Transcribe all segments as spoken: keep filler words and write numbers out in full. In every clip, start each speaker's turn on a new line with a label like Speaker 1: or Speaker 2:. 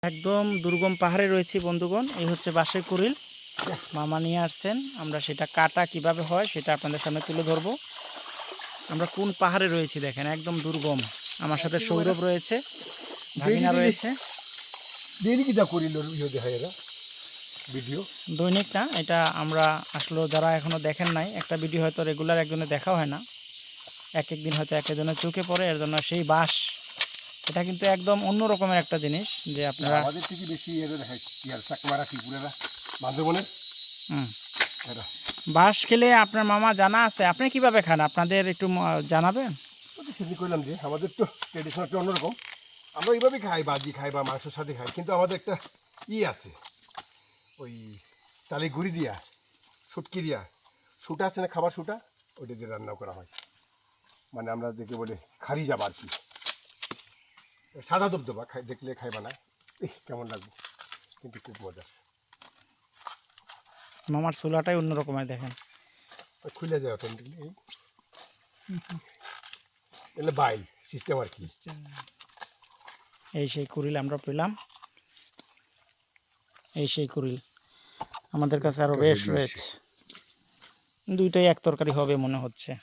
Speaker 1: একদম দুর্গম পাহাড়ে রয়েছি বন্ধুগণ। এই হচ্ছে বাঁশের কুড়িল, মামা নিয়ে আসছেন। আমরা সেটা কাটা কিভাবে হয় সেটা আপনাদের সামনে তুলে ধরবো। আমরা কোন পাহাড়ে রয়েছি দেখেন, একদম দুর্গম। আমার সাথে সৌরভ রয়েছে, ভাগিনা রয়েছে।
Speaker 2: ভিডিও
Speaker 1: দৈনিক না, এটা আমরা আসলে যারা এখনো দেখেন নাই, একটা ভিডিও হয়তো রেগুলার একজনে দেখা হয় না, এক এক দিন হয়তো এক একজনের চোখে পড়ে। এর জন্য সেই বাঁশ, এটা কিন্তু একদম অন্য রকমের একটা জিনিস যে আপনারা
Speaker 2: আমাদের থেকে বেশি ইয়ার চাকমারা ত্রিপুরারা বান্ধবনের
Speaker 1: হুম বাঁশ খেলে আপনার মামা জানা আছে, আপনি কিভাবে খান আপনাদের একটু ম- জানাবেন।
Speaker 2: সেদিন করলাম যে আমাদের তো ট্রেডিশনালটা অন্যরকম। আমরা এইভাবেই খাই, বাজি খাই বা মাংসের সাথে খাই, কিন্তু আমাদের একটা ই আছে, ওই চালে গুঁড়ি দিয়া শুটকি দিয়া শুটা আছে না, খাবার শুটা, ওইটা দিয়ে রান্না করা হয়। মানে আমরা দেখে বলে খারি যাবা আর কি, সাদা দবদবা খাই, দেখলে খাইবা না এই কেমন লাগবে, কিন্তু খুব মজা।
Speaker 1: মামার চুলাটাই অন্য রকমের দেখেন।
Speaker 2: খুলে যায় অটোমেটিকলি, এই এলে বাইল সিস্টেম আর কি।
Speaker 1: এই সেই কুড়িল আমরা পেলাম, এই সেই কুড়িল আমাদের কাছে আরো বেশ রয়েছে। দুইটাই এক তরকারি হবে মনে হচ্ছে।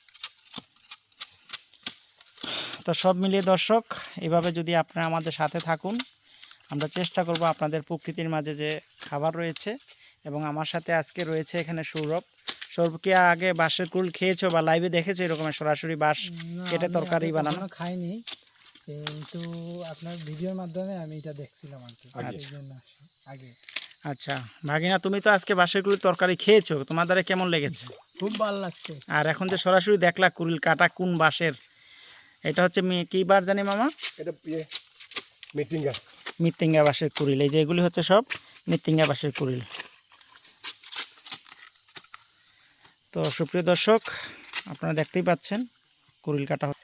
Speaker 1: তো সব মিলিয়ে দর্শক, এভাবে যদি আপনারা আমাদের সাথে থাকুন, আমরা চেষ্টা করব আপনাদের প্রকৃতির মাঝে যে খাবার রয়েছে। এবং আমার সাথে আজকে রয়েছে এখানে সৌরভ। সৌরভ কি আগে বাঁশের কুল খেয়েছো বা লাইভে দেখেছো এরকমের সরাসরি বাঁশ কেটে তরকারি বানানো?
Speaker 3: কখনো খাইনি, কিন্তু আপনার ভিডিওর মাধ্যমে আমি এটা দেখছিলাম আর কি,
Speaker 2: আগে।
Speaker 3: এই জন্য আসি- আগে
Speaker 1: আচ্ছা ভাগিনা, তুমি তো আজকে বাঁশের কুলির তরকারি খেয়েছো, তোমার দ্বারা কেমন লেগেছে?
Speaker 3: খুব ভালো লাগছে।
Speaker 1: আর এখন যে সরাসরি দেখলা কুলিল কাটা কোন বাঁশের, এটা হচ্ছে মি- কি বার জানি মামা?
Speaker 2: এটা ইয়ে মিটিংয়া
Speaker 1: মৃত্তিঙ্গা বাঁশের কুড়িল। এই যে এগুলি হচ্ছে সব মৃত্তিঙ্গা বাঁশের কুড়িল। তো সুপ্রিয় দর্শক, আপনারা দেখতেই পাচ্ছেন কুড়িল কাটা হচ্ছে।